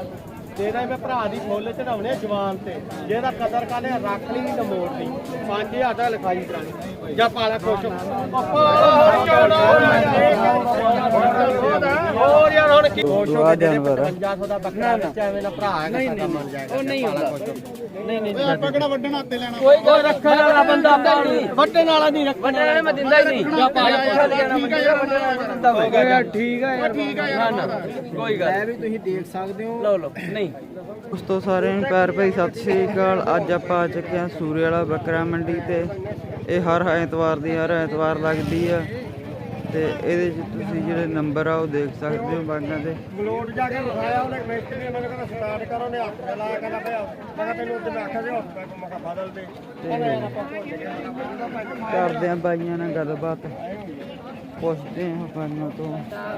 ਤੇਰਾ ਮੈਂ ਭਰਾ ਦੀ ਫੁੱਲ ਚੜਾਉਣੇ ਜਵਾਨ ਤੇ ਜਿਹਦਾ ਕਦਰ ਕਰਨੇ ਰੱਖ ਲਈ ਨਹੀਂ ਤਾਂ ਮੋੜ ਲਈ 5000 ਦਾ ਲਿਖਾਈ ਕਰਾਣੀ ਜਾਂ ਪਾਲਾ ਖੁਸ਼ ਹੋਰ ਯਾਰ ਹੁਣ ਕੀ ਖੁਸ਼ ਹੋ ਕੇ 5500 ਦਾ ਬੱਕਰਾ ਵਿੱਚ ਐਵੇਂ ਨਾ ਭਰਾ ਹੈਗਾ ਸਾਡਾ ਮੰਨ ਜਾਏਗਾ ਉਹ ਨਹੀਂ ਹੁੰਦਾ ਨਹੀਂ ਪਕੜਾ ਵੱਢਣ ਹੱਥੇ ਲੈਣਾ ਕੋਈ ਰੱਖਣ ਵਾਲਾ ਬੰਦਾ ਨਹੀਂ ਵੱਢਣ ਵਾਲਾ ਨਹੀਂ ਰੱਖਣ ਵਾਲਾ ਮੈਂ ਦਿੰਦਾ ਹੀ ਨਹੀਂ ਜਾਂ ਪਾਲਾ ਠੀਕ ਹੈ ਯਾਰ ਕੋਈ ਗੱਲ ਐ ਵੀ ਤੁਸੀਂ ਦੇਖ ਸਕਦੇ ਹੋ ਲਓ ਨਹੀਂ ਦੋਸਤੋ ਸਾਰਿਆਂ ਨੂੰ ਪਿਆਰ ਭਰੀ ਸਤਿ ਸ਼੍ਰੀ ਅਕਾਲ। ਅੱਜ ਆਪਾਂ ਆ ਚੁੱਕੇ ਹਾਂ ਸੂਰੇ ਵਾਲਾ ਬੱਕਰਾ ਮੰਡੀ ਤੇ ਇਹ ਹਰ ਐਤਵਾਰ ਲੱਗਦੀ ਆ ਤੇ ਇਹਦੇ 'ਚ ਤੁਸੀਂ ਜਿਹੜੇ ਨੰਬਰ ਆ ਉਹ ਦੇਖ ਸਕਦੇ ਹੋ ਬਾਗਾਂ ਦੇ। ਬਲੋਡ ਜਾ ਕੇ ਲਿਖਾਇਆ ਉਹਨੇ ਮਿਸਤਰੀ ਨੇ ਮੈਨੂੰ ਕਹਿੰਦਾ ਸਟਾਰਟ ਕਰੋ ਨੇ ਹੱਥ ਤੇ ਲਾਇਆ ਕਹਿੰਦਾ ਪਿਆ ਮੈਂ ਕਿਹਾ ਤੈਨੂੰ ਉੱਤੇ ਮੈਂ ਆਖਿਆ ਸੀ ਹੱਥ ਮੈਂ ਕਿਹਾ ਬਦਲ ਦੇ ਕਰਦੇ ਆ ਬਾਈਆਂ ਨਾਲ ਗੱਲਬਾਤ ਪੁੱਛਦੇ ਆ ਬਾਈਆਂ ਤੋਂ।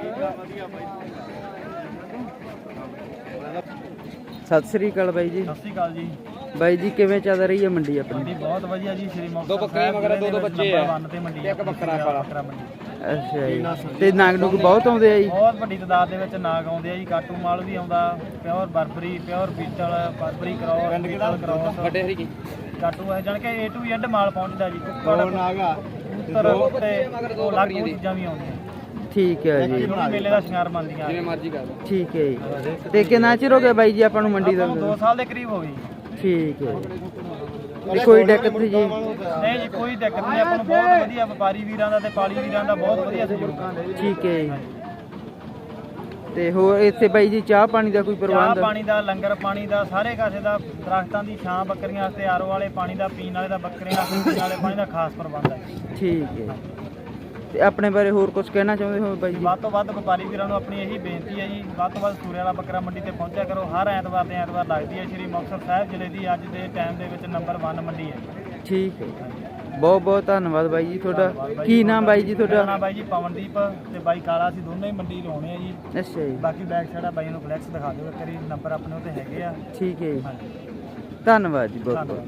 ਸਤਿ ਸ੍ਰੀ ਅਕਾਲ ਬਾਈ ਜੀ। ਸਤਿ ਸ਼੍ਰੀ ਅਕਾਲ ਜੀ ਬਾਈ ਜੀ ਕਿਵੇਂ ਚੱਲ ਰਹੀ ਹੈ ਮੰਡੀ ਆਪਣੀ? ਬਹੁਤ ਵਧੀਆ ਜੀ। ਸ਼੍ਰੀ ਮੁਕਤਸਰ ਦੋ ਬੱਕਰੇ ਮਗਰ ਦੋ ਬੱਚੇ ਆ ਤੇ ਮੰਡੀ ਇੱਕ ਬੱਕਰਾ ਕਾਲਾ ਮੰਡੀ। ਅੱਛਾ ਜੀ ਤੇ ਨਾਗ ਨੂਗ ਬਹੁਤ ਆਉਂਦੇ ਆ ਜੀ? ਬਹੁਤ ਵੱਡੀ ਤਾਦਾਦ ਦੇ ਵਿੱਚ ਨਾਗ ਆਉਂਦੇ ਆ ਜੀ। ਕਾਟੂ ਮਾਲ ਵੀ ਆਉਂਦਾ, ਪਿਓਰ ਬਰਬਰੀ, ਪਿਓਰ ਬੀਟਲ, ਬਰਬਰੀ ਕਰਾਓ, ਬੀਟਲ ਕਰਾਓ, ਵੱਡੇ ਹਰੀ ਕਾਟੂ ਹੈ ਜਾਨ ਕੇ A to Z ਮਾਲ ਪਹੁੰਚਦਾ ਜੀ। ਕੁੱਕੜ ਨਾਗਾ ਕਬੂਤਰ ਤੇ ਉਹ ਲੱਗ ਚੀਜ਼ਾਂ ਵੀ ਆਉਂਦੀਆਂ। ਠੀਕ ਹੈ ਜੀ। ਮੇਲੇ ਦਾ ਸ਼ਿੰਗਾਰ ਮੰਨਦੀਆਂ ਜਿਵੇਂ ਮਰਜ਼ੀ ਕਰ ਲਓ। ਠੀਕ ਹੈ ਜੀ। ਤੇ ਕਿੰਨਾ ਚਿਰ ਹੋ ਗਿਆ ਬਾਈ ਜੀ ਆਪਾਂ ਨੂੰ ਮੰਡੀ ਦਾ? 2 ਸਾਲ ਦੇ ਕਰੀਬ ਹੋ ਗਈ। ਠੀਕ ਹੈ ਜੀ। ਕੋਈ ਦਿੱਕਤ ਜੀ? ਨਹੀਂ ਜੀ ਕੋਈ ਦਿੱਕਤ ਨਹੀਂ। ਆਪਾਂ ਨੂੰ ਬਹੁਤ ਵਧੀਆ ਵਪਾਰੀ ਵੀਰਾਂ ਦਾ ਤੇ ਪਾਲੀ ਵੀਰਾਂ ਦਾ ਬਹੁਤ ਵਧੀਆ ਸਹਿਯੋਗ। ਠੀਕ ਹੈ ਜੀ। ਤੇ ਹੋਰ ਇੱਥੇ ਬਾਈ ਜੀ ਚਾਹ ਪਾਣੀ ਦਾ ਕੋਈ ਪ੍ਰਬੰਧ? ਚਾਹ ਪਾਣੀ ਦਾ, ਲੰਗਰ ਪਾਣੀ ਦਾ, ਸਾਰੇ ਕਾਸੇ ਦਾ, ਦਰਖਤਾਂ ਦੀ ਛਾਂ ਬੱਕਰੀਆਂ ਵਾਸਤੇ, ਆਰੋ ਵਾਲੇ ਪਾਣੀ ਦਾ, ਪੀਣ ਵਾਲੇ ਦਾ, ਬੱਕਰੀਆਂ ਵਾਸਤੇ ਪੀਣ ਵਾਲੇ ਪਾਣੀ ਦਾ ਖਾਸ ਪ੍ਰਬੰਧ ਹੈ। ਠੀਕ ਹੈ। ਤੇ ਆਪਣੇ ਬਾਰੇ ਹੋਰ ਕੁਝ ਕਹਿਣਾ ਚਾਹੁੰਦੇ ਹੋ ਬਾਈ ਜੀ? ਵੱਧ ਤੋਂ ਵੱਧ ਵਪਾਰੀ ਵੀਰਾਂ ਨੂੰ ਆਪਣੀ ਇਹੀ ਬੇਨਤੀ ਹੈ ਜੀ, ਵੱਧ ਤੋਂ ਵੱਧ ਸੂਰੇ ਵਾਲਾ ਬੱਕਰਾ ਮੰਡੀ ਤੇ ਪਹੁੰਚਿਆ ਕਰੋ। ਹਰ ਐਤਵਾਰ ਦੇ ਐਤਵਾਰ ਲੱਗਦੀ ਹੈ। ਸ਼੍ਰੀ ਮੁਕਤਸਰ ਸਾਹਿਬ ਜ਼ਿਲ੍ਹੇ ਦੀ ਅੱਜ ਦੇ ਟਾਈਮ ਦੇ ਵਿੱਚ ਨੰਬਰ 1 ਮੰਡੀ ਹੈ। ਠੀਕ ਹੈ। ਬਹੁਤ ਬਹੁਤ ਧੰਨਵਾਦ ਬਾਈ ਜੀ ਤੁਹਾਡਾ। ਕੀ ਨਾਮ ਬਾਈ ਜੀ ਤੁਹਾਡਾ? ਨਾਮ ਬਾਈ ਜੀ ਪਵਨਦੀਪ ਤੇ ਬਾਈ ਕਾਲਾ। ਅਸੀਂ ਦੋਨੋਂ ਹੀ ਮੰਡੀ ਲਾਉਣੇ ਆ ਜੀ। ਅੱਛਾ ਜੀ। ਬਾਕੀ ਬੈਕ ਸਾਈਡ ਆ ਬਾਈ ਨੂੰ ਫਲੈਕਸ ਦਿਖਾ ਦਿਓ ਇੱਕ ਵਾਰੀ। ਨੰਬਰ ਆਪਣੇ ਉੱਤੇ ਹੈਗੇ ਆ। ਠੀਕ ਹੈ ਜੀ। ਧੰਨਵਾਦ ਜੀ ਬਹੁਤ ਬਹੁਤ।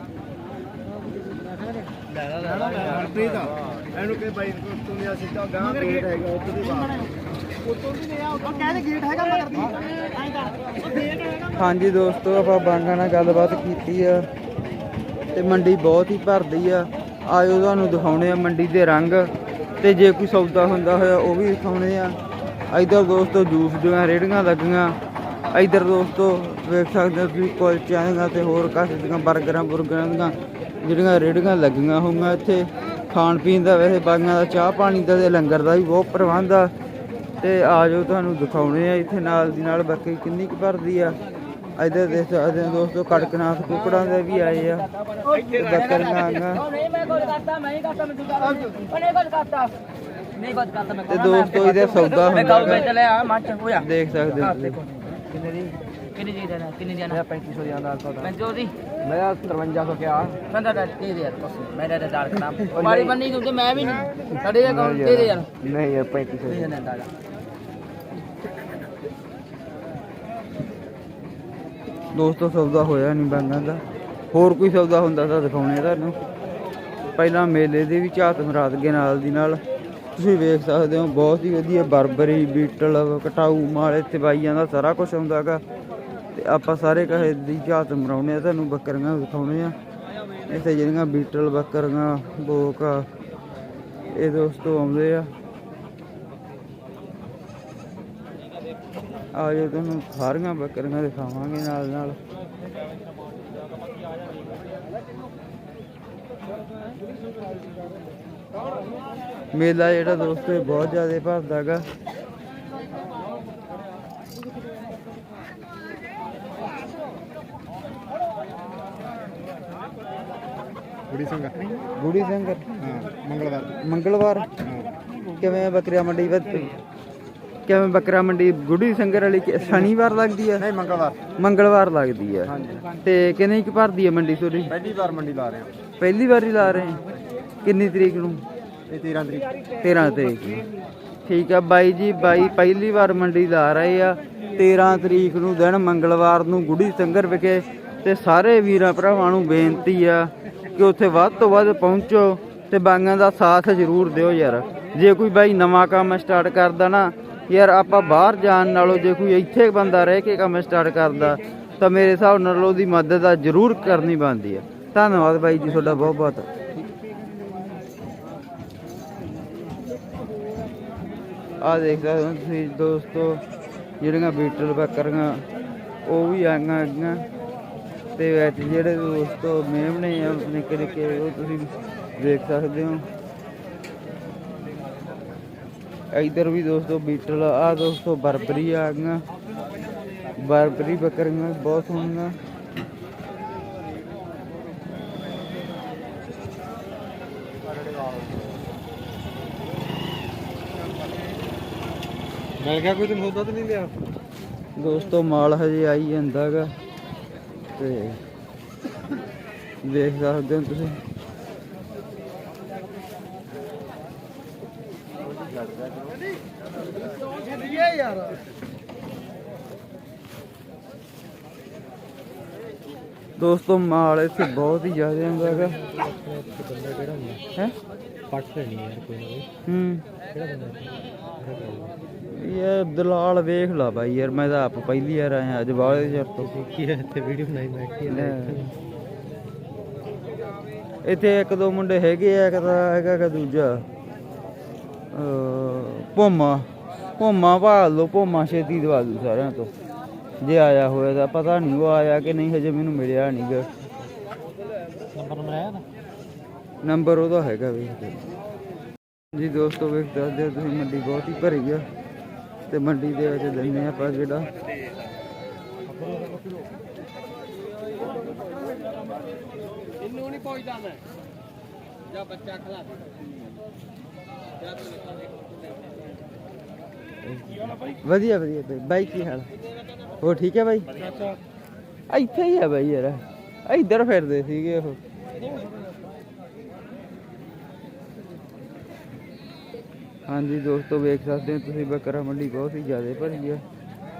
ਇਹਨੂੰ ਕਿ ਬਾਈ ਤੂੰ ਨਹੀਂ ਸਿੱਧਾ ਗਾਂ ਗੇਟ ਹੈਗਾ ਉੱਥੇ ਦੀ ਬਾਤ ਉੱਤੋਂ ਵੀ ਨਹੀਂ ਆ ਉਹ ਕਹਿੰਦੇ ਗੇਟ ਹੈਗਾ ਮਗਰ ਦੀ ਐਂ ਕਰ ਉਹ ਗੇਟ ਹੈਗਾ। ਹਾਂਜੀ ਦੋਸਤੋ ਆਪਾਂ ਬਾਂਗਾਂ ਨਾਲ ਗੱਲਬਾਤ ਕੀਤੀ ਆ ਤੇ ਮੰਡੀ ਬਹੁਤ ਹੀ ਭਰਦੀ ਆ। ਆਇਓ ਤੁਹਾਨੂੰ ਦਿਖਾਉਣੇ ਆ ਮੰਡੀ ਦੇ ਰੰਗ ਤੇ ਜੇ ਕੋਈ ਸੌਦਾ ਹੁੰਦਾ ਹੋਇਆ ਉਹ ਵੀ ਦਿਖਾਉਣੇ ਆ। ਇੱਧਰ ਦੋਸਤੋ ਜੂਸ ਦੀਆਂ ਰੇਹੜੀਆਂ ਲੱਗੀਆਂ। ਇੱਧਰ ਦੋਸਤੋ ਵੇਖ ਸਕਦੇ ਹੋ ਤੁਸੀਂ ਕੁਲਚਿਆਂ ਦੀਆਂ ਤੇ ਹੋਰ ਕਾਸੇ ਦੀਆਂ ਬਰਗਰਾਂ ਦੀਆਂ ਜਿਹੜੀਆਂ ਰੇਹੜੀਆਂ ਲੱਗੀਆਂ ਹੋਈਆਂ। ਇੱਥੇ ਖਾਣ ਪੀਣ ਦਾ ਵੈਸੇ ਬਾਗਾਂ ਦਾ ਚਾਹ ਪਾਣੀ ਦਾ ਤੇ ਲੰਗਰ ਦਾ ਵੀ ਬਹੁਤ ਪ੍ਰਬੰਧ ਆ ਤੇ ਆ ਜਾਓ ਤੁਹਾਨੂੰ ਦਿਖਾਉਣੇ ਆ। ਇੱਥੇ ਨਾਲ ਦੀ ਨਾਲ ਬੱਕਰੀ ਕਿੰਨੀ ਕੁ ਭਰਦੀ ਆ। ਇੱਧਰ ਦੇਖ ਸਕਦੇ ਹੋ ਦੋਸਤੋ ਕੜਕਨਾਥ ਕੁੱਕੜਾਂ ਦੇ ਵੀ ਆਏ ਆ ਤੇ ਬੱਕਰੀਆਂ ਆਈਆਂ ਤੇ ਦੋਸਤੋ ਇਹਦਾ ਸੌਦਾ ਹੁੰਦਾ ਦੇਖ ਸਕਦੇ ਹੋ। कितनी जी देना? कितनी देना? 3500 दिया दाल तो 3500 दी मैं 5300 क्या संदा दे दे यार मैं दे दाल खराब हमारी बन्नी तुमसे मैं भी नहीं साढ़े अकाउंट दे दे यार नहीं यार 3500 देना दाल। ਦੋਸਤੋ ਸੌਦਾ ਹੋਇਆ ਨਹੀਂ ਬਾਂਗਾਂ ਦਾ। ਹੋਰ ਕੋਈ ਸੌਦਾ ਹੁੰਦਾ ਤਾਂ ਦਿਖਾਉਣੇ ਤੁਹਾਨੂੰ। ਪਹਿਲਾਂ ਮੇਲੇ ਦੇ ਵੀ ਝਾਤ ਮਰਾਦ ਗਏ ਨਾਲ ਦੀ ਨਾਲ ਤੁਸੀਂ ਵੇਖ ਸਕਦੇ ਹੋ। ਬਹੁਤ ਹੀ ਵਧੀਆ ਬਰਬਰੀ, ਬੀਟਲ, ਕਟਾਊ ਮਾਲ ਇੱਥੇ ਬਾਈਆਂ ਦਾ ਸਾਰਾ ਕੁਝ ਆਉਂਦਾ ਗਾ ਤੇ ਆਪਾਂ ਸਾਰੇ ਕਹੇ ਦੀ ਝਾਤ ਮਰਾਉਣੇ ਆ ਤੁਹਾਨੂੰ। ਬੱਕਰੀਆਂ ਦਿਖਾਉਣੇ ਆ ਇੱਥੇ ਜਿਹੜੀਆਂ ਬੀਟਲ ਬੱਕਰੀਆਂ ਬੋਕ ਆ ਇਹ ਦੋਸਤੋ ਆਉਂਦੇ ਆ। ਆ ਜਾਓ ਤੁਹਾਨੂੰ ਸਾਰੀਆਂ ਬੱਕਰੀਆਂ ਦਿਖਾਵਾਂਗੇ ਨਾਲ ਨਾਲ। ਮੇਲਾ ਜਿਹੜਾ ਦੋਸਤੋ ਬਹੁਤ ਜ਼ਿਆਦਾ ਭਰਦਾ ਗਾ। ਗੁੜੀ ਸੰਗਰ ਮੰਗਲਵਾਰ ਕਿਵੇਂ ਬੱਕਰੀਆਂ ਮੰਡੀ ਕਿਵੇਂ ਬੱਕਰਾ ਮੰਡੀ ਗੁੜੀ ਸੰਗਰ ਵਾਲੀ ਸ਼ਨੀਵਾਰ ਲੱਗਦੀ ਹੈ? ਨਹੀਂ ਮੰਗਲਵਾਰ ਲੱਗਦੀ ਹੈ। ਤੇ ਕਿੰਨੀ ਕੁ ਭਰਦੀ ਹੈ ਮੰਡੀ ਤੁਹਾਡੀ? ਪਹਿਲੀ ਵਾਰ ਮੰਡੀ ਲਾ ਰਹੇ ਹਾਂ। ਪਹਿਲੀ ਵਾਰ ਹੀ ਲਾ ਰਹੇ ਕਿੰਨੀ ਤਰੀਕ ਨੂੰ? 13 ਤਰੀਕ ਨੂੰ। ਠੀਕ ਆ ਬਾਈ ਜੀ। ਬਾਈ ਪਹਿਲੀ ਵਾਰ ਮੰਡੀ ਲਾ ਰਹੇ ਆ 13 ਤਰੀਕ ਨੂੰ ਦਿਨ ਮੰਗਲਵਾਰ ਨੂੰ ਗੁੜੀ ਸੰਗਰ ਵਿਖੇ। ਤੇ ਸਾਰੇ ਵੀਰਾਂ ਭਰਾਵਾਂ ਨੂੰ ਬੇਨਤੀ ਆ ਕਿ ਉੱਥੇ ਵੱਧ ਤੋਂ ਵੱਧ ਪਹੁੰਚੋ ਤੇ ਬਾਈਆਂ ਦਾ ਸਾਥ ਜ਼ਰੂਰ ਦਿਓ ਯਾਰ। ਜੇ ਕੋਈ ਬਾਈ ਨਵਾਂ ਕੰਮ ਸਟਾਰਟ ਕਰਦਾ ਨਾ ਯਾਰ ਆਪਾਂ ਬਾਹਰ ਜਾਣ ਨਾਲੋਂ ਜੇ ਕੋਈ ਇੱਥੇ ਬੰਦਾ ਰਹਿ ਕੇ ਕੰਮ ਸਟਾਰਟ ਕਰਦਾ ਤਾਂ ਮੇਰੇ ਹਿਸਾਬ ਨਾਲ ਉਹਦੀ ਮਦਦ ਤਾਂ ਜ਼ਰੂਰ ਕਰਨੀ ਬਣਦੀ ਆ। ਧੰਨਵਾਦ ਬਾਈ ਜੀ ਤੁਹਾਡਾ ਬਹੁਤ ਬਹੁਤ। ਆਹ ਦੇਖ ਸਕਦੇ ਹੋ ਤੁਸੀਂ ਦੋਸਤੋ ਜਿਹੜੀਆਂ ਬੀਟਲ ਬੱਕਰੀਆਂ ਉਹ ਵੀ ਆਈਆਂ ਹੈਗੀਆਂ ਤੇ ਵਿੱਚ ਜਿਹੜੇ ਦੋਸਤੋ ਮੇਮਣੇ ਆ ਨਿੱਕੇ ਨਿੱਕੇ ਉਹ ਤੁਸੀਂ ਦੇਖ ਸਕਦੇ ਹੋ। ਇਧਰ ਵੀ ਦੋਸਤੋ ਬੀਟਲ ਆ ਦੋਸਤੋ ਬਰਬਰੀ ਆ ਗਈਆਂ। ਬਰਬਰੀ ਬੱਕਰੀਆਂ ਬਹੁਤ ਸੋਹਣੀਆਂ। ਮਿਲ ਗਿਆ ਕੋਈ ਸੌਦਾ ਤਾਂ ਨਹੀਂ ਲਿਆ ਦੋਸਤੋ ਮਾਲ ਹਜੇ ਆਈ ਜਾਂਦਾ ਗਾ ਤੇ ਦੇਖ ਸਕਦੇ ਹੋ ਤੁਸੀਂ। ਦੋਸਤੋ ਮਾਲ ਇੱਥੇ ਬਹੁਤ ਹੀ ਜ਼ਿਆਦਾ ਹੁੰਦਾ ਹੈਗਾ। ਹੈ ਪੱਟ ਲੈਣੀ ਯਾਰ ਕੋਈ ਨਾ ਯਾਰ ਦਲਾਲ ਵੇਖ ਲਾ ਬਾਈ ਯਾਰ ਮੈਂ ਤਾਂ ਆਪ ਪਹਿਲੀ ਵਾਰ ਆਇਆ ਅੱਜ ਬਾਹਲੇ ਚਿਰ ਤੋਂ। ਕੀ ਇੱਥੇ ਵੀਡੀਓ ਬਣਾਈ ਮੈਂ ਇੱਥੇ ਇੱਕ ਦੋ ਮੁੰਡੇ ਹੈਗੇ ਆ, ਇੱਕ ਤਾਂ ਹੈਗਾ ਕਿ ਦੂਜਾ ਭੋਮਾ ਭਾਲ ਲਓ। ਭੋਮਾ ਛੇਤੀ ਦਵਾ ਦੂ ਸਾਰਿਆਂ ਤੋਂ ਜੇ ਆਇਆ ਹੋਇਆ ਤਾਂ। ਪਤਾ ਨਹੀਂ ਉਹ ਆਇਆ ਕਿ ਨਹੀਂ, ਹਜੇ ਮੈਨੂੰ ਮਿਲਿਆ ਨਹੀਂ ਗਾ। ਨੰਬਰ ਉਹਦਾ ਹੈਗਾ ਵੇਖ ਜੀ ਦੋਸਤੋ। ਵੇਖ ਦੱਸਦੇ ਹੋ ਤੁਸੀਂ ਮੰਡੀ ਬਹੁਤ ਹੀ ਭਰੀ ਆ ਤੇ ਮੰਡੀ ਦੇ ਵਿੱਚ ਦਿੰਦੇ ਆਪਾਂ ਜਿਹੜਾ ਇਹਨੂੰ ਨਹੀਂ ਪਹੁੰਚਦਾ ਮੈਂ ਜਾਂ ਬੱਚਾ ਖਲਾ ਵਧੀਆ ਵਧੀਆ ਬਾਈ ਕੀ ਹਾਲ ਹੋਰ ਠੀਕ ਹੈ ਬਾਈ? ਇੱਥੇ ਹੀ ਆ ਬਾਈ ਯਾਰ, ਇੱਧਰ ਫਿਰਦੇ ਸੀਗੇ ਉਹ। ਹਾਂਜੀ ਦੋਸਤੋ ਵੇਖ ਸਕਦੇ ਹੋ ਤੁਸੀਂ ਬੱਕਰਾ ਮੰਡੀ ਬਹੁਤ ਹੀ ਜ਼ਿਆਦਾ ਭਰੀ ਆ।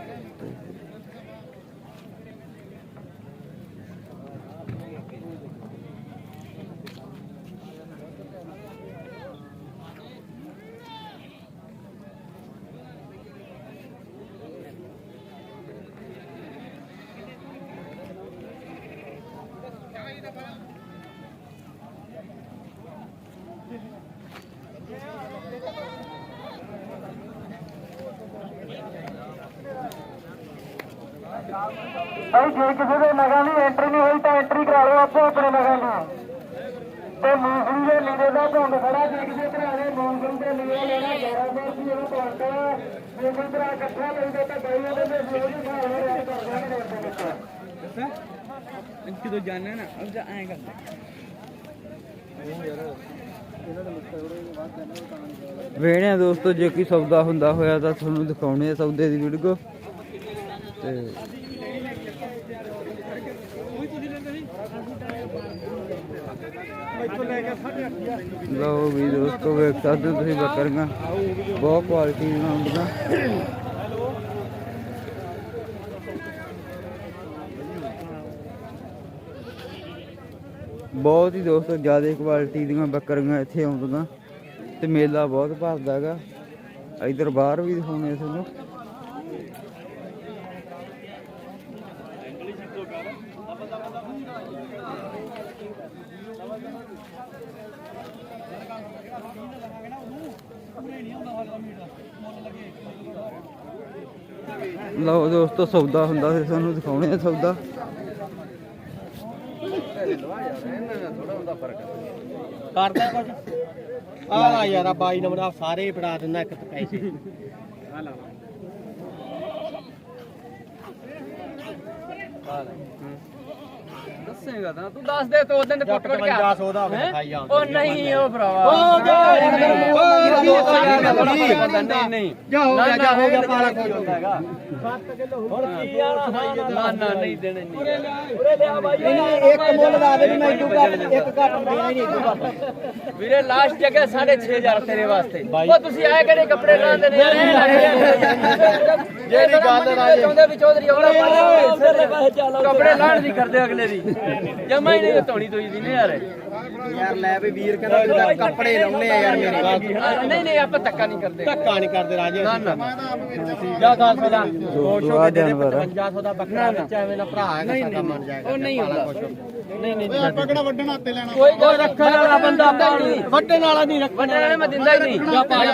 ਭਾਈ ਜੇ ਕਿਸੇ ਦੇ ਨਗਾਂ ਦੀ ਐਂਟਰੀ ਨਹੀਂ ਹੋਈ ਤਾਂ ਐਂਟਰੀ ਕਰਾ ਲਓ ਆਪੋ ਆਪਣੇ ਨਗਾਂ ਦੀ। ਤੇ ਮੂੰਗਫਲੀ ਦੇ ਲੀੜੇ ਦਾ ਝੁੰਡ ਖੜਾ ਜੇ ਕਿਸੇ ਭਰਾ ਨੇ ਮੂੰਗਫਲੀ ਦੇ ਲੀੜੇ ਲੈਣਾ 1100 ਰੁਪਏ ਉਹਨੂੰ ਪਵਾਂਦਾ। ਜੇ ਕੋਈ ਭਰਾ ਇਕੱਠਾ ਲੈਂਦਾ ਤਾਂ ਬਾਈ ਉਹਦੇ ਦੇ ਰੋਜ਼ ਹਿਸਾਬ ਨਾਲ ਰੇਟ ਕਰ ਦਾਂਗੇ ਰੇਟ ਦੇ ਵਿੱਚ। ਕਿਦੋਂ ਜਾਣਾ ਨਾ अब आएगा ਵੇਣੇ ਦੋਸਤੋ ਜੇ ਕੋਈ ਸੌਦਾ ਹੁੰਦਾ ਹੋਇਆ ਤਾਂ ਤੁਹਾਨੂੰ ਦਿਖਾਉਣੇ ਆ ਸੌਦੇ ਦੀ ਵੀਡੀਓ ਤੇ ਲਓ ਵੀ ਦੋਸਤੋ ਵੇਖ ਸਕਦੇ ਹੋ ਤੁਸੀਂ ਬੱਕਰੀਆਂ ਬਹੁਤ ਕੁਆਲਿਟੀ ਦੀਆਂ ਹੁੰਦੀਆਂ। ਬਹੁਤ ਹੀ ਦੋਸਤੋ ਜ਼ਿਆਦਾ ਕੁਆਲਿਟੀ ਦੀਆਂ ਬੱਕਰੀਆਂ ਇੱਥੇ ਆਉਂਦੀਆਂ ਤੇ ਮੇਲਾ ਬਹੁਤ ਭਰਦਾ ਹੈਗਾ। ਇੱਧਰ ਬਾਹਰ ਵੀ ਦਿਖਾਉਣੇ ਤੁਹਾਨੂੰ। ਲਓ ਦੋਸਤੋ ਸੌਦਾ ਹੁੰਦਾ ਫਿਰ ਤੁਹਾਨੂੰ ਦਿਖਾਉਣੇ ਆ ਸੌਦਾ। ਕਰਦਾ ਕੁਝ ਆ ਯਾਰ ਆ 22 ਨੰਬਰ ਸਾਰੇ ਫੜਾ ਦਿੰਦਾ ਇੱਕ ਪੈਸੇ ਆ ਲਾ ਦੱਸੇਗਾ ਤਾਂ ਤੂੰ ਦੱਸ ਦੇ ਤੋ ਦਿਨ ਫੁੱਟ ਫੁੱਟ ਕੇ 5500 ਦਾ ਦਿਖਾਈ ਜਾਂਦਾ ਉਹ ਨਹੀਂ ਉਹ ਭਰਾਵਾ ਨਹੀਂ ਨਹੀਂ ਜਾ ਹੋ ਗਿਆ ਪਾਲਾ ਕੋਈ ਹੁੰਦਾ ਹੈਗਾ 7 ਕਿਲੋ ਹੁਣ ਕੀ ਆਣਾ ਨਾ ਨਹੀਂ ਦੇਣੇ ਨਹੀਂ ਉਰੇ ਲਿਆ ਬਾਈ ਨਹੀਂ ਇੱਕ ਮੁੱਲ ਲਾ ਦੇ ਵੀ ਮੈਂ ਇਦੋਂ ਘੱਟ ਇੱਕ ਘੱਟ ਦੇਣਾ ਹੀ ਨਹੀਂ ਇਦੋਂ ਘੱਟ ਵੀਰੇ ਲਾਸਟ ਜਗ੍ਹਾ 6500 ਤੇਰੇ ਵਾਸਤੇ। ਉਹ ਤੁਸੀਂ ਆਏ ਕਿਹੜੇ ਕੱਪੜੇ ਲਾਉਂਦੇ ਨੇ ਯਾਰ ਜਿਹੜੀ ਗੱਲ ਚਾਹੁੰਦੇ ਵੀ ਚੌਧਰੀ ਕੱਪੜੇ ਲਾਣ ਦੀ ਕਰਦੇ ਅਗਲੇ ਦੀ ਜਮਾ ਹੀ ਨਹੀਂ ਧੋਣੀ ਤੋਈ ਦੀ ਨੇ ਯਾਰ। ਯਾਰ ਲੈ ਵੀ ਵੀਰ ਕਹਿੰਦਾ ਕੱਪੜੇ ਲਾਉਣੇ ਆ ਯਾਰ ਮੇਰੇ ਨਹੀਂ ਨਹੀਂ ਆਪਾਂ ਧੱਕਾ ਨਹੀਂ ਕਰਦੇ ਰਾਜੇ ਨਾ ਨਾ ਜਾ 10 ਦਾ ਦੋਸਤੋ ਜਾਨਵਰ 5500 ਦਾ ਬੱਕਰਾ ਵਿੱਚ ਐਵੇਂ ਨਾ ਭਰਾ ਹੈਗਾ ਸਾਡਾ ਮਰ ਜਾਏਗਾ ਉਹ ਨਹੀਂ ਹੁੰਦਾ ਨਹੀਂ ਨਹੀਂ ਆਪਾਂ ਕਿਹੜਾ ਵੱਢਣ ਹੱਥੇ ਲੈਣਾ ਕੋਈ ਗੱਲ ਰੱਖਣ ਵਾਲਾ ਬੰਦਾ ਪਾਣੀ ਵੱਢਣ ਵਾਲਾ ਨਹੀਂ ਰੱਖਣਾ ਵੱਡਣ ਵਾਲੇ ਮੈਂ ਦਿੰਦਾ ਹੀ ਨਹੀਂ ਜਾ ਪਾ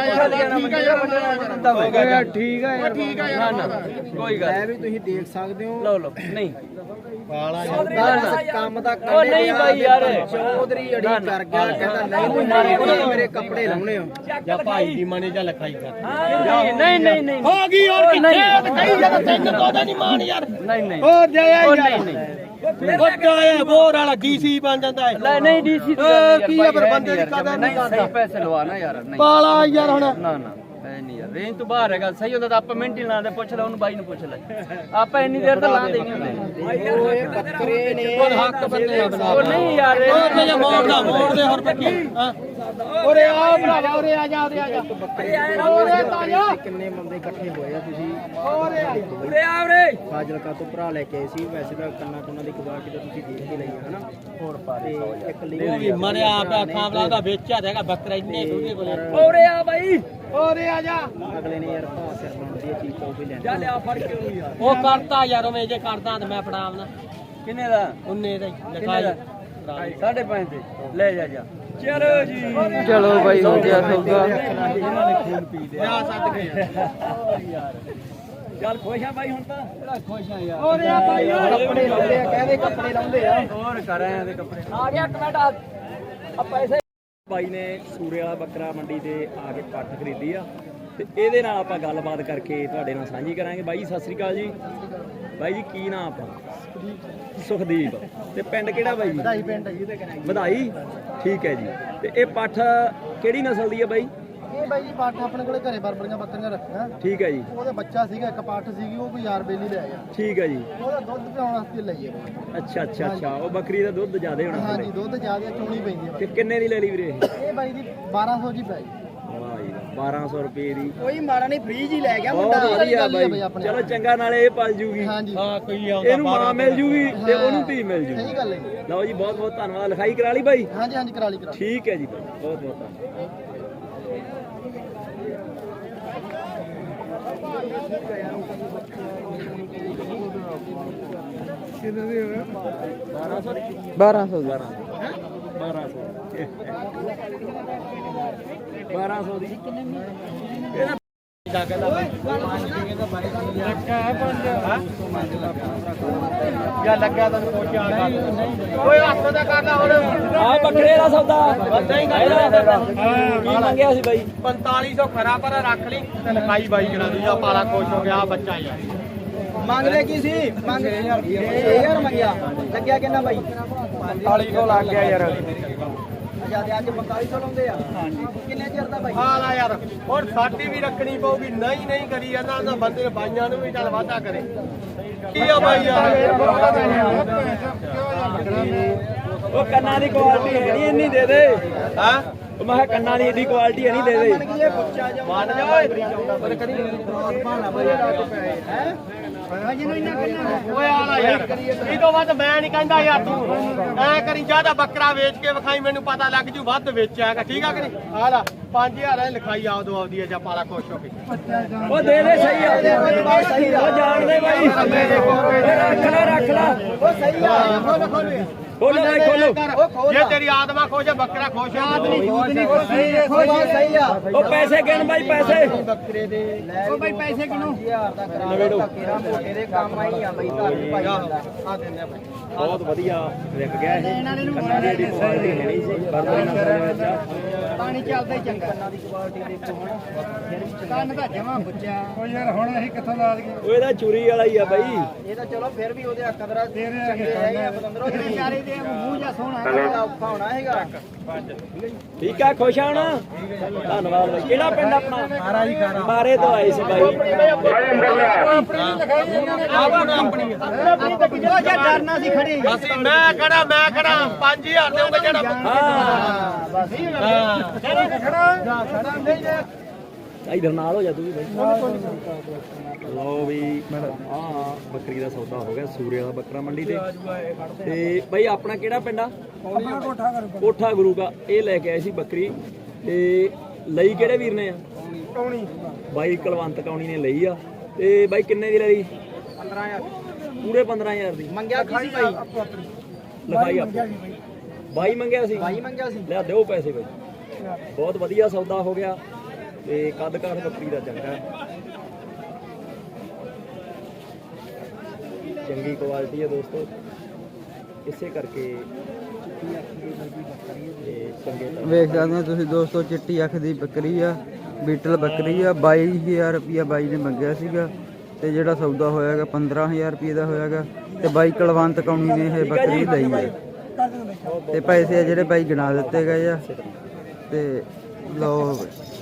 ਠੀਕ ਹੈ ਠੀਕ ਹੈ ਯਾਰ ਨਾ ਕੋਈ ਗੱਲ ਲੈ ਵੀ ਤੁਸੀਂ ਦੇਖ ਸਕਦੇ ਹੋ ਲਓ ਲਓ ਨਹੀਂ ਪਾਲਾ ਕੰਮ ਦਾ ਉਹ ਨਹੀਂ ਬਾਈ ਯਾਰ ਚੌਧਰੀ ਅੜੀ ਕਰ ਗਿਆ ਕਹਿੰਦਾ ਨਹੀਂ ਤੁਸੀਂ ਮੇਰੇ ਕੱਪੜੇ ਲਾਉਣੇ ਹੋ ਜਾਂ ਭਾਈ ਦੀ ਮਨੇ ਜਾਂ ਲਖਾਈ ਕਰ ਨਹੀਂ ਨਹੀਂ ਨਹੀਂ ਹੋ ਗਈ ਹੋਰ ਕਿੱਥੇ ਕਹੀ ਜਾਂਦਾ ਤੈਨੂੰ ਕੋਦਾ ਨਹੀਂ ਮਾਨ ਯਾਰ ਨਹੀਂ ਨਹੀਂ ਹੋਰ ਜਾਇਆ ਉਹ ਯਾਰ ਨਹੀਂ ਨਹੀਂ ਵੱਡਾ ਹੈ ਬੋਰ ਵਾਲਾ ਡੀਸੀ ਬਣ ਜਾਂਦਾ ਹੈ ਲੈ ਨਹੀਂ ਡੀਸੀ ਕੀ ਹੈ ਪਰ ਬੰਦੇ ਦੀ ਕਦਰ ਨਹੀਂ ਕਰਦਾ ਸਹੀ ਪੈਸੇ ਲਵਾਣਾ ਯਾਰ ਨਹੀਂ ਪਾਲਾ ਯਾਰ ਹੁਣ ਨਾ ਨਾ ਐ ਨਹੀਂ ਯਾਰ ਰੇਂਜ ਤੋਂ ਬਾਹਰ ਹੈਗਾ ਸਹੀ ਹੁੰਦਾ ਤਾਂ ਆਪਾਂ ਮਿੰਟ ਹੀ ਲਾਉਂਦੇ ਪੁੱਛ ਲੈ ਉਹਨੂੰ ਬਾਈ ਨੂੰ ਪੁੱਛ ਲੈ ਆਪਾਂ ਇੰਨੀ ਦੇਰ ਤਾਂ ਲਾਉਂਦੇ ਨਹੀਂ ਹੁੰਦੇ ਓਏ ਬੱਕਰੇ ਨੇ ਉਹ ਹੱਕ ਬੰਦੇ ਉਹ ਨਹੀਂ ਯਾਰ ਉਹ ਤੇ ਮੋੜ ਦੇ ਹੋਰ ਪੱਕੀ ਓਰੇ ਆ ਭਰਾਵਾ ਓਰੇ ਆ ਜਾ ਓਰੇ ਤਾਇਆ ਕਿੰਨੇ ਬੰਦੇ ਇਕੱਠੇ ਹੋਏ ਆ ਤੁਸੀਂ ਉਰੇ ਆ ਉਰੇ ਫਾਜ਼ਿਲਕਾ ਤੋਂ ਭਰਾ ਲੈ ਕੇ ਆਏ ਸੀ ਵੈਸੇ ਤਾਂ ਕੰਨਾਂ ਦੀ ਕੁਆਲਿਟੀ ਤਾਂ ਤੁਸੀਂ ਦੇਖ ਕੇ ਲਈ ਹੈ ਹਨਾ ਹੋਰ ਪਾਰੇ ਇੱਕ ਲਈ ਮਰਿਆ ਪਿਆ ਖਾਵਲਾ ਦਾ ਵੇਚਿਆ ਹੈਗਾ ਬੱਕਰਾ ਇੰਨੇ ਉਹਦੇ ਕੋਲੇ ਉਰੇ ਆ ਬਾਈ ਓਰੇ ਆ ਜਾ ਅਗਲੇ ਨੇ ਯਾਰ ਭਾਅ ਸਿਰ ਬਣਦੀ ਹੈ ਚੀਜ਼ ਉਹ ਵੀ ਲੈਣੀ ਜਾ ਲਿਆ ਫੜ ਕੇ ਉਹਨੂੰ ਯਾਰ ਉਹ ਕਰਤਾ ਯਾਰ ਮੈਂ ਜੇ ਕਰਦਾ ਤਾਂ ਮੈਂ ਫੜਾਵਣਾ ਕਿੰਨੇ ਦਾ ਉਹਨੇ ਦਾ ਕਿੰਨੇ ਦਾ 5.5 ਤੇ ਲੈ ਜਾ ਜਾ ਚਲੋ ਜੀ ਚਲੋ ਬਾਈ ਹੋ ਗਿਆ ਸੌਦਾ ਇਹਨਾਂ ਨੇ ਖੂਨ ਪੀ ਲਿਆ ਸੱਦ ਕੇ ਯਾਰ ਚੱਲ ਖੁਸ਼ ਆ ਬਾਈ ਹੁਣ ਤਾਂ ਬੜਾ ਖੁਸ਼ ਆ ਯਾਰ ਓਰੇ ਆ ਭਾਈ ਕੱਪੜੇ ਲਾਉਂਦੇ ਆ ਕਹਿੰਦੇ ਕੱਪੜੇ ਲਾਉਂਦੇ ਆ ਹੋਰ ਕਰ ਆਏ ਆ ਦੇ ਕੱਪੜੇ ਆ ਗਿਆ ਕਮੈਂਟ ਆ ਪੈਸੇ ਬਾਈ ਨੇ ਸੂਰੇ ਵਾਲਾ ਬੱਕਰਾ ਮੰਡੀ ਤੇ ਆ ਕੇ ਪੱਠ ਖਰੀਦੀ ਆ ਤੇ ਇਹਦੇ ਨਾਲ ਆਪਾਂ ਗੱਲਬਾਤ ਕਰਕੇ ਤੁਹਾਡੇ ਨਾਲ ਸਾਂਝੀ ਕਰਾਂਗੇ। ਬਾਈ ਜੀ ਸਤਿ ਸ੍ਰੀ ਅਕਾਲ ਜੀ। ਬਾਈ ਜੀ ਕੀ ਨਾਮ ਆਪਣਾ? ਸੁਖਦੀਪ। ਤੇ ਪਿੰਡ ਕਿਹੜਾ ਬਾਈ ਜੀ? ਵਧਾਈ ਪਿੰਡ ਹੈ ਜਿਹਦੇ ਕਰਾਂਗੇ ਵਧਾਈ। ਠੀਕ ਹੈ ਜੀ। ਤੇ ਇਹ ਪੱਠ ਕਿਹੜੀ ਨਸਲ ਦੀ ਹੈ ਬਾਈ? ਇਹ ਬਾਈ ਜੀ ਪਾਠ ਆਪਣੇ ਕੋਲੇ ਘਰੇ ਬਰਬਰੀਆਂ ਬੱਕਰੀਆਂ ਰੱਖੀਆਂ ਠੀਕ ਹੈ ਜੀ। ਉਹਦੇ ਬੱਚਾ ਸੀਗਾ ਇੱਕ ਪਾਠ ਸੀਗੀ ਉਹ ਕੋਈ ਯਾਰ ਬੇਲੀ ਲੈ ਗਿਆ ਠੀਕ ਹੈ ਜੀ। ਉਹਦਾ ਦੁੱਧ ਪਿਆਉਣ ਵਾਸਤੇ ਲਈਏ ਅੱਛਾ ਅੱਛਾ ਅੱਛਾ ਉਹ ਬੱਕਰੀ ਦਾ ਦੁੱਧ ਜ਼ਿਆਦਾ ਹੋਣਾ ਹਾਂਜੀ ਦੁੱਧ ਜ਼ਿਆਦਾ ਚੋਣੀ ਪੈਂਦੀ ਤੇ ਕਿੰਨੇ ਦੀ ਲੈ ਲਈ ਵੀਰੇ ਇਹ? ਇਹ ਬਾਈ ਦੀ 1200 ਜੀ ਪੈ ਗਈ ਵਾਹ ਜੀ 1200 ਰੁਪਏ ਦੀ। ਕੋਈ ਮਾੜਾ ਨਹੀਂ ਫ੍ਰੀ ਜੀ ਲੈ ਗਿਆ ਬਹੁਤ ਵਧੀਆ ਬਾਈ। ਚਲੋ ਚੰਗਾ ਨਾਲੇ ਇਹ ਪਲ ਜੂਗੀ। ਹਾਂਜੀ ਕੋਈ ਇਹਨੂੰ ਮਾਂ ਮਿਲ ਜੂਗੀ ਤੇ ਉਹਨੂੰ ਧੀ ਮਿਲ ਜੂਗੀ। ਸਹੀ ਗੱਲ ਹੈ। ਲਓ ਜੀ ਬਹੁਤ ਬਹੁਤ ਧੰਨਵਾਦ। ਲਿਖਾਈ ਕਰਾ ਲਈ ਬਾਈ? ਹਾਂਜੀ ਹਾਂਜੀ ਕਰਾ ਲਈ ਠੀਕ ਹੈ ਜੀ ਬਾਈ ਬਹੁਤ ਬਹੁਤ ਧੰਨਵਾਦ। ਕਿੰਨੇ ਦੀ ਹੋਵੇ 1200 ਦੀ 1200 ਦੀ ਜਾਂ ਲੱਗਾ ਤਾਂ ਕੋਈ ਆਣਾ ਓਏ ਹੱਥ ਦਾ ਕਰਦਾ ਹੁਣ ਆ ਬੱਕਰੇ ਦਾ ਸੌਦਾ ਕੀ ਮੰਗਿਆ ਸੀ ਬਾਈ? 4500 ਖਰਾ ਪਰ ਰੱਖ ਲਈ ਤੇ ਲਿਖਾਈ ਬਾਈ ਕਰਾ ਦੂ ਜਾਂ ਪਾਲਾ ਖੁਸ਼ ਹੋ ਗਿਆ ਬੱਚਾ ਯਾਰ ਮੰਗਦੇ ਕੀ ਸੀ ਮੰਗ 6000 ਮੰਗਿਆ ਲੱਗਿਆ ਕਿੰਨਾ ਬਾਈ 4500 ਲੱਗ ਗਿਆ ਯਾਰ। ਜਿਆਦਾ ਅੱਜ 4500 ਲਾਉਂਦੇ ਆ ਹਾਂਜੀ ਕਿੰਨੇ ਚਿਰ ਦਾ ਬਾਈ ਹਾਂ ਲਾ ਯਾਰ ਹੋਰ ਸਾਡੀ ਵੀ ਰੱਖਣੀ ਪਊਗੀ ਨਹੀਂ ਨਹੀਂ ਕਰੀ ਜਾਂਦਾ ਉਹਨਾਂ ਬੰਦੇ ਬਾਈਆਂ ਨੂੰ ਵੀ ਚੱਲ ਵਾਧਾ ਕਰੇ ਕੀ ਆ ਬਾਈ ਯਾਰ ਉਹ ਕੰਨਾਂ ਦੀ ਕੁਆਲਿਟੀ ਹੈ ਨਹੀਂ ਇੰਨੀ ਦੇ ਦੇ। ਹਾਂ ਉਹ ਮੈਂ ਕਿਹਾ ਕੰਨਾਂ ਦੀ ਏਡੀ ਕੁਆਲਿਟੀ ਹੈ ਨਹੀਂ ਦੇ ਦੇ। ਮੰਨ ਜਾ ਓਏ ਕਰੀ ਭਾਣਾ ਬਾਈ ਹੈ ਓਏ ਆਲਾ ਯਾਰ ਇਹ ਤੋਂ ਵੱਧ ਮੈਂ ਨਹੀਂ ਕਹਿੰਦਾ ਯਾਰ ਤੂੰ ਐ ਕਰੀ ਜਿਆਦਾ ਬੱਕਰਾ ਵੇਚ ਕੇ ਵਿਖਾਈ ਮੈਨੂੰ ਪਤਾ ਲੱਗ ਜੂ ਵੱਧ ਵੇਚਿਆਗਾ ਠੀਕ ਆ ਕਿ ਨਹੀਂ ਆਲਾ 5000 ਲਿਖਾਈ ਆਉ ਦੋ ਆਉਦੀ ਹੈ ਜਾਂ ਪਾਲਾ ਖੁਸ਼ ਹੋ ਕੇ ਉਹ ਦੇ ਦੇ ਸਹੀ ਆ ਉਹ ਜਾਣਦੇ ਬਾਈ ਰੱਖ ਲੈ ਉਹ ਸਹੀ ਆ ਖੋਲ ਖੋਲੋ ਬਾਈ ਖੋਲੋ। ਜੇ ਤੇਰੀ ਆਤਮਾ ਖੁਸ਼ ਹੈ ਬੱਕਰਾ ਖੁਸ਼ ਹੈ ਸਹੀ ਆ ਉਹ ਪੈਸੇ ਗਿਣ ਬਾਈ ਪੈਸੇ। ਬੱਕਰੇ ਦੇ ਉਹ ਬਾਈ ਪੈਸੇ ਕਿਨੂੰ 1000 ਦਾ ਕਰਾ ਕਿਹੜਾ ਮੋਟੇ ਦੇ ਕੰਮ ਆਈ ਆ ਬਾਈ ਘਰ ਭਾਈ ਆ ਦਿੰਦੇ ਬਾਈ ਬਹੁਤ ਵਧੀਆ ਵਿਕ ਗਿਆ ਇਹ। ਕੰਨਾਂ ਦੀ ਏਡੀ ਕੁਆਲਿਟੀ ਹੈ ਨਹੀਂ ਸੀ ਬਰਬਰੀ ਨਸਲ ਦੇ ਵਿੱਚ। ਪਾਣੀ ਚੱਲਦਾ ਹੀ ਚੰਗਾ ਕੰਨਾਂ ਦੀ ਕੁਆਲਿਟੀ ਦੇਖੋ ਹੁਣ ਕੰਨ ਦਾ ਜਮਾ ਬੁੱਝਿਆ ਉਹ ਯਾਰ ਹੁਣ ਅਸੀਂ ਕਿੱਥੋਂ ਲਾ ਦਈਏ ਉਹ ਇਹਦਾ ਚੂਰੀ ਵਾਲਾ ਹੀ ਆ ਬਾਈ। ਇਹ ਤਾਂ ਚਲੋ ਫਿਰ ਵੀ ਉਹਦੇ ਕਦਰਾ ਚੰਗੇ ਹੈਗੇ ਆ ਬਤੰਦਰੋ ਵਿਚਾਰੇ ਦੇ ਮੂੰਹ ਜਾਂ ਸੋਹਣਾ ਔਖਾ ਹੋਣਾ ਹੈਗਾ ਠੀਕ ਆ ਖੁਸ਼ ਆ ਹੁਣ? ਧੰਨਵਾਦ ਬਾਈ। ਕਿਹੜਾ ਪਿੰਡ ਆਪਣਾ? ਮਾਰਾ ਜੀ ਖਾਰਾ। ਮਾਰੇ ਤੋਂ ਆਏ ਸੀ ਬਾਈ। ਆਪਣੀ ਉਹ ਜੇ ਡਰਨਾ ਸੀ ਖੜੀ ਅਸੀਂ ਮੈਂ ਖੜਾ 5000 ਦੇਉਂਗਾ ਜਿਹੜਾ ਹਾਂ ਬਸ ਖੜਾ ਨਹੀਂ ਜੇ ਇਧਰ ਨਾਲ ਹੋ ਜਾ ਤੂੰ ਵੀ ਬਾਈ। ਲਓ ਵੀ ਆਹ ਬੱਕਰੀ ਦਾ ਸੌਦਾ ਹੋ ਗਿਆ ਸੂਰੇ ਵਾਲਾ ਬੱਕਰਾ ਮੰਡੀ ਤੇ ਬਾਈ ਆਪਣਾ ਕਿਹੜਾ ਪਿੰਡ ਆ? ਕੋਠਾ ਗੁਰੂ ਕਾ। ਇਹ ਲੈ ਕੇ ਆਏ ਸੀ ਬੱਕਰੀ ਤੇ ਲਈ ਕਿਹੜੇ ਵੀਰ ਨੇ ਆ? ਬਾਈ ਕੁਲਵੰਤ ਕੌਣੀ ਨੇ ਲਈ ਆ। ਤੇ ਬਾਈ ਕਿੰਨੇ ਦੀ ਲਈ? 15000 ਪੂਰੇ 15000 ਦੀ ਮੰਗਿਆ ਕੀ ਸੀ ਭਾਈ? ਲਿਖਾਈ ਆਪੋ ਬਾਈ ਮੰਗਿਆ ਸੀ। ਲੈ ਦਿਓ ਪੈਸੇ ਬਾਈ। ਬਹੁਤ ਵਧੀਆ ਸੌਦਾ ਹੋ ਗਿਆ ਤੇ ਕੱਦ ਕਾਠ ਬੱਕਰੀ ਦਾ ਚੰਗਾ, ਚੰਗੀ ਕੁਆਲਿਟੀ ਹੈ ਦੋਸਤੋ, ਇਸੇ ਕਰਕੇ ਵੇਖ ਸਕਦੇ ਹੋ ਤੁਸੀਂ ਦੋਸਤੋ, ਚਿੱਟੀ ਅੱਖ ਦੀ ਬੱਕਰੀ ਆ, ਬੀਟਲ ਬੱਕਰੀ ਆ। 22000 ਰੁਪਇਆ ਬਾਈ ਨੇ ਮੰਗਿਆ ਸੀਗਾ ਤੇ ਜਿਹੜਾ ਸੌਦਾ ਹੋਇਆਗਾ 15000 ਰੁਪਏ ਦਾ ਹੋਇਆਗਾ ਤੇ ਬਾਈ ਕੁਲਵੰਤ ਕੌਣੀ ਨੇ ਇਹ ਬੱਕਰੀ ਲਈ ਹੈ ਤੇ ਪੈਸੇ ਆ ਜਿਹੜੇ ਬਾਈ ਗਿਣਾ ਦਿੱਤੇ ਗਏ ਆ। ਤੇ ਲਓ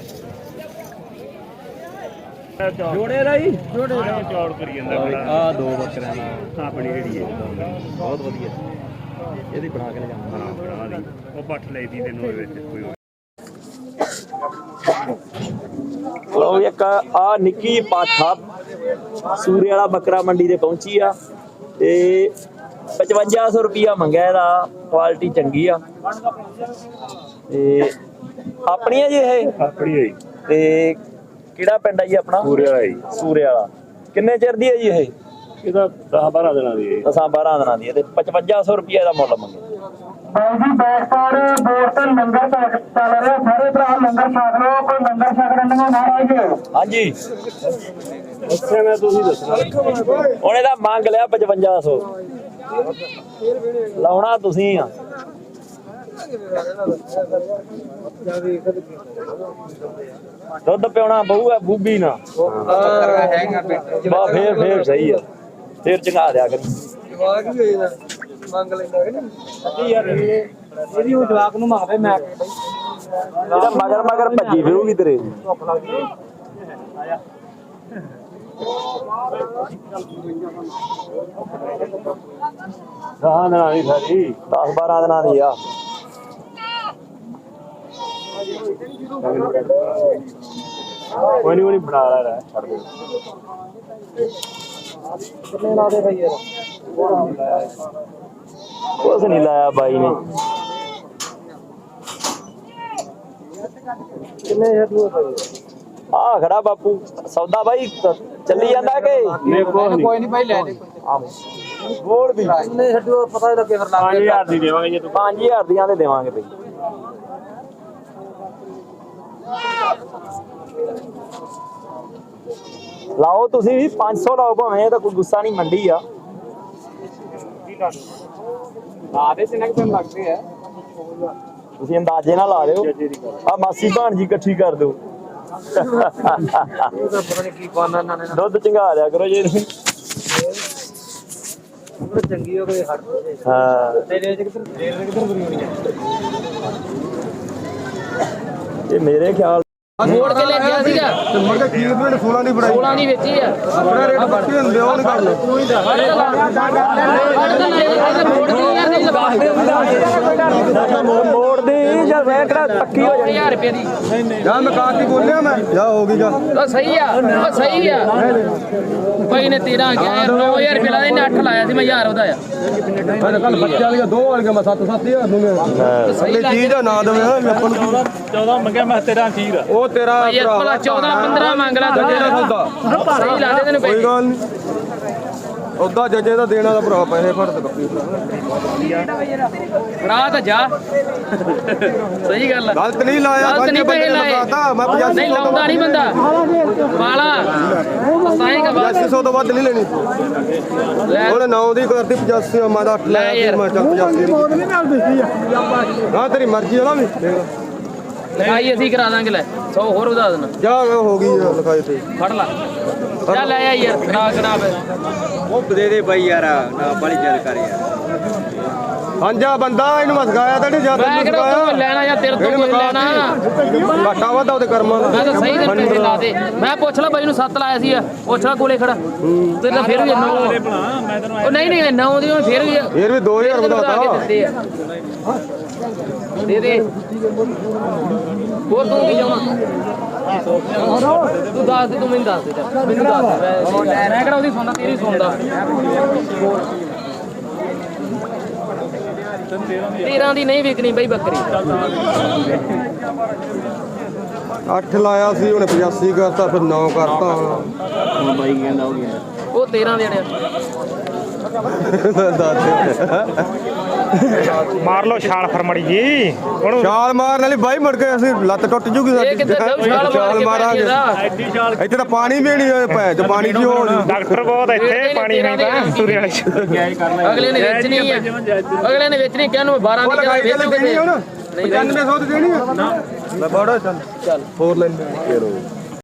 ਜੋੜੇ ਰਾਈ ਚੌੜ ਕਰੀ ਜਾਂਦਾ ਆ ਦੋ ਬੱਕਰਿਆਂ ਨਾਲ ਆਪਣੀ ਜਿਹੜੀ ਹੈ ਬਹੁਤ ਵਧੀਆ, ਇਹਦੀ ਬਣਾ ਕੇ ਲਿਜਾਵਾਂਗੇ। ਉਹ ਪੱਠ ਲਈ ਦੀ ਤੈਨੂੰ ਵਿੱਚ ਕੋਈ ਲਓ ਇੱਕ ਆ ਨਿੱਕੀ ਪਾਠਾ ਸੂਰੇ ਵਾਲਾ ਬੱਕਰਾ ਮੰਡੀ ਤੇ ਪਹੁੰਚੀ ਆ ਤੇ 5500 ਰੁਪਿਆ ਮੰਗਿਆ ਇਹਦਾ, ਕੁਆਲਿਟੀ ਚੰਗੀ ਆ ਤੇ ਆਪਣੀ ਆ ਜੀ ਇਹ? ਆਪਣੀ ਹੋਈ ਤੇ ਕਿਹੜਾ ਪਿੰਡ ਆ ਜੀ ਆਪਣਾ? ਪੂਰੇ ਵਾਲਾ ਜੀ। ਸੂਰੇ ਵਾਲਾ। ਕਿੰਨੇ ਚਿਰ ਦੀ ਹੈ ਜੀ ਇਹ? ਇਹਦਾ 10-12 ਦਿਨਾਂ ਦੀ ਹੈ। 10-12 ਦਿਨਾਂ ਦੀ ਹੈ ਤੇ 5500 ਰੁਪਿਆ ਦਾ ਮੁੱਲ ਮੰਗਿਆ। ਜੀ ਬੈਠਪਾੜ ਦੋਸਤ ਲੰਗਰ ਚੱਲ ਰਿਹਾ, ਸਾਰੇ ਭਰਾ ਲੰਗਰ ਛਕ ਲਓ, ਕੋਈ ਲੰਗਰ ਛਕਣ ਨੂੰ ਨਾ ਆਇਓ। ਹਾਂਜੀ ਅੱਛਾ ਮੈਂ ਤੁਸੀਂ ਦੱਸਣਾ ਹੁਣ ਇਹਦਾ ਮੰਗ ਲਿਆ 5500, ਲਾਉਣਾ ਤੁਸੀਂ ਆ। ਦੁੱਧ ਪਿਉਣਾ ਬਹੂ ਹੈ ਬੂਬੀ ਨਾ ਬਾ ਫੇਰ ਸਹੀ ਆ, ਫੇਰ ਚੰਗਾ ਦਿਆ ਕਰੀ। ਮੰਗ ਲੈਂਦਾ ਕਿ ਨਹੀਂ ਯਾਰ, ਇਹਦੀ ਉਹ ਜਵਾਕ ਨੂੰ ਮੰਗਦੇ ਮੈਂ ਇਹਦਾ ਮਗਰ ਮਗਰ ਭੱਜੀ ਫਿਰੂਗੀ ਤੇਰੇ। ਹਾਂ ਨਾ ਨਹੀਂ ਸਾਰੀ 10-12 ਦਿਨਾਂ ਦੀ ਆ। ਕੋਈ ਨਹੀਂ ਬਣਾ ਲਾ ਛੱਡ ਦੇ। ਕਿੰਨੇ ਲਾ ਦੇ ਭਾਈ ਯਾਰ? ਕੁਛ ਨਹੀਂ ਲਾਇਆ ਬਾਈ ਨੇ। ਕਿੰਨੇ ਹੱਥੂ ਭਾਈ? ਆ ਖੜਾ ਬਾਪੂ ਸੌਦਾ ਬਾਈ ਚੱਲੀ ਜਾਂਦਾ ਕਿ ਕੋਈ ਨਹੀਂ ਭਾਈ ਲੈ ਦੇ। ਗੋਲ ਵੀ ਕਿੰਨੇ ਹੱਥੂ ਪਤਾ ਲੱਗੇ ਫਿਰ ਲੱਗ 5000 ਦੀ ਦੇਵਾਂਗੇ ਜੇ ਤੂੰ 5000 ਦੀਆਂ ਦੇ ਦੇਵਾਂਗੇ ਬਈ। ਲਾਓ ਤੁਸੀਂ ਵੀ 500 ਲਾਓ ਭਾਵੇਂ, ਇਹ ਤਾਂ ਕੋਈ ਗੁੱਸਾ ਨਹੀਂ, ਮੰਡੀ ਆ। ਆਦੇ ਸਿਨਕ ਤੇ ਲੱਗਦੇ ਆ। ਤੁਸੀਂ ਅੰਦਾਜ਼ੇ ਨਾਲ ਲਾ ਲਿਓ। ਆ ਮਾਸੀ ਭਾਣਜੀ ਇਕੱਠੀ ਕਰ ਦਿਓ। ਪਤਾ ਨਹੀਂ ਕੀ ਪਾਣਾ ਇਹਨਾਂ ਨੇ। ਦੁੱਧ ਚੰਗਾ ਲਿਆ ਕਰੋ ਜੇ। ਚੰਗੀ ਹੋ ਗਈ ਹੱਟ। ਹਾਂ ਤੇਰੇ ਕਿੱਧਰ ਬੁਰੀ ਹੋਣੀ ਹੈ? ਇਹ ਮੇਰੇ ਖਿਆਲ ਮੋੜ ਕੇ ਲੈ ਗਿਆ ਸੀਗਾ ਤੇ ਮੁੜ ਕੇ ਕੀ ਮਿੰਟ 16 ਦੀ ਬਣਾਈ 16 ਦੀ ਵੇਚੀ ਆ ਆਪਣਾ ਰੇਟ ਬੱਤੀ ਹੁੰਦੇ ਉਹ ਨਹੀਂ ਕਰ ਲੋ ਮੋੜ ਦੀ ਜਾਂ ਵੇਖੜਾ ਪੱਕੀ ਹੋ ਜਾਣੀ 1000 ਰੁਪਏ ਦੀ ਜਾ ਮੈਂ ਕਾ ਕੀ ਬੋਲਿਆ ਮੈਂ ਜਾ ਹੋ ਗਈ ਜਾ ਉਹ ਸਹੀ ਆ ਉਹ ਸਹੀ ਆ ਭਾਈ ਨੇ 13 ਗਿਆ 9000 ਰੁਪਏ ਲਾਇਆ ਇਹਨੇ 8 ਲਾਇਆ ਸੀ ਮੈਂ 1000 ਉਹਦਾ ਆ ਮੈਂ ਕੱਲ ਬੱਚੇ ਵਾਲੀਆਂ ਦੋ ਵਾਲੀਆਂ ਮੈਂ 7-7000 ਦੂੰਗਾ ਸਹੀ ਲੱਗ ਚੀਜ਼ ਦਾ ਨਾਂ ਦੇਵੇ ਮੈਂ ਆਪਾਂ ਨੂੰ 14 ਮੰਗਿਆ ਮੈਂ ਤੇਰਾ ਅਖੀਰ ਆ। ਉਹ ਤੇਰਾ ਭਾਈ ਭਲਾ 14 15 ਮੰਗ ਲਾ ਜੱਜੇ ਦਾ ਸੌਦਾ ਸਹੀ ਲੱਗਦੇ ਤੈਨੂੰ ਕੋਈ ਪੈਸੇ ਗੱਲ ਨਹੀਂ ਉਦਾਂ ਜੱਜੇ ਦਾ ਦੇਣਾ ਦਾ ਭਰਾ ਪੈਸੇ ਫੜ ਤੇ ਕੱਪੀ ਫੜਾ ਤਾਂ ਜਾ ਸਹੀ ਗੱਲ ਆ ਗਲਤ ਨਹੀਂ ਲਾਇਆ ਗਲਤ ਪੰਜ ਨਹੀਂ ਬੰਦੇ ਪੈਸੇ ਨੇ ਲਾਏ ਲਗਾਤਾ ਮੈਂ 8500 ਨਹੀਂ ਲਾਉਂਦਾ ਨਹੀਂ ਬੰਦਾ ਵਾਲਾ ਸਾਈਂਗਾ ਬਾਤ 8500 ਤੋਂ ਵੱਧ ਨਹੀਂ ਲੈਣੀ ਲੈ ਉਹਨੇ 9 ਦੀ ਕਰਤੀ 85 ਮੈਂ ਤਾਂ 8 ਲੈ ਲੈ ਯਾਰ। ਮੈਂ ਚੱਲ 85 ਹਾਂ ਤੇਰੀ ਮਰਜ਼ੀ ਆ ਨਾ ਵੀ ਦੇਖ ਲਿਖਾਈ ਅਸੀਂ ਕਰਾ ਦਾਂਗੇ ਲੈ 100 ਹੋਰ ਵਧਾ ਦੇਣਾ ਜਾ ਹੋ ਗਈ ਲਿਖਾਈ ਤੇ ਫੜ ਲਾ ਜਾ ਲੈ ਆ ਯਾਰ ਖਰਾ ਖਰਾ ਉਹ ਦੇ ਦੇ ਬਾਈ ਯਾਰ ਨਾ ਬੜੀ ਜਲ ਕਰ ਯਾਰ ਹਾਂਜਾ ਬੰਦਾ ਇਹਨੂੰ ਮੈਂ ਸਿਖਾਇਆ ਤਾਂ ਨਹੀਂ ਜਾਂਦਾ ਮੈਂ ਕਿਹੜਾ ਤੂੰ ਲੈਣਾ ਜਾਂ ਤੇਰੇ ਤੋਂ ਕੋਈ ਲੈਣਾ ਘਾਟਾ ਵਾਧਾ ਉਹਦੇ ਕਰਮਾਂ ਦਾ ਮੈਂ ਤਾਂ ਸਹੀ ਦਿਨ ਪੈਸੇ ਲਾ ਦੇ ਮੈਂ ਪੁੱਛ ਲਾ ਬਾਈ ਨੂੰ 7 ਲਾਇਆ ਸੀ ਪੁੱਛ ਲਾ ਕੋਲੇ ਖੜਾ ਤੇ ਤਾਂ ਫਿਰ ਵੀ 9 ਉਹ ਨਹੀਂ ਨਹੀਂ 9 ਦੀ ਫਿਰ ਵੀ ਫਿਰ ਵੀ 2000 ਵਧਾਤਾ ਦੇ ਦੇ ਹੋਰ ਤੂੰ ਕੀ ਚਾਹੁੰਦਾ ਤੂੰ ਦੱਸ ਦੇ, ਤੂੰ ਮੈਨੂੰ ਦੱਸ ਦੇ, ਮੈਨੂੰ ਦੱਸ ਦੇ, ਮੈਂ ਕਿਹੜਾ ਉਹਦੀ ਸੁਣਦਾ, ਤੇਰੀ ਸੁਣਦਾ। 13 ਦੀ ਨਹੀਂ ਵਿਕਣੀ ਬਈ ਬੱਕਰੀ। 8 ਲਾਇਆ ਸੀ ਉਹਨੇ 85 ਕਰਤਾ, ਫਿਰ 9 ਕਰਤਾ। ਹੁਣ ਬਾਈ ਕਹਿੰਦਾ ਹੋ ਗਿਆ ਉਹ 13 ਦੇਣੇ ਮਾਰ ਲਓ ਛਾਲ ਫਰਮੜੀ ਜੀ ਹੁਣ ਛਾਲ ਮਾਰਨ ਵਾਲੀ ਬਾਈ ਮੁੜ ਕੇ ਅਸੀਂ ਲੱਤ ਟੁੱਟ ਜੂਗੀ ਇਹ ਕਿੱਥੇ ਜਾਊ ਛਾਲ ਮਾਰ ਕੇ ਮਾਰਾਂਗੇ। ਐਡੀ ਛਾਲ ਇੱਥੇ ਤਾਂ ਪਾਣੀ ਵੀ ਨਹੀਂ ਹੋਏ ਪੈ ਤੇ ਪਾਣੀ ਦੀ ਹੋਣ ਡਾਕਟਰ ਬਹੁਤ ਇੱਥੇ ਪਾਣੀ ਨਹੀਂ ਤਾਂ ਸੂਰੇ ਵਾਲੇ ਚ ਅਗਲੇ ਨੇ ਵੇਚਣੀ ਹੈ, ਅਗਲੇ ਨੇ ਵੇਚਣੀ ਕਿਹਨੂੰ 12 ਦੀ ਕਿਹਨੂੰ ਵੇਚੂਗੇ ਦੇਣੀ ਹੁਣ 9500 ਦੀ ਦੇਣੀ ਆ ਨਾ ਮੈਂ ਬੜਾ ਚੱਲ ਹੋਰ ਲੈਂਦੇ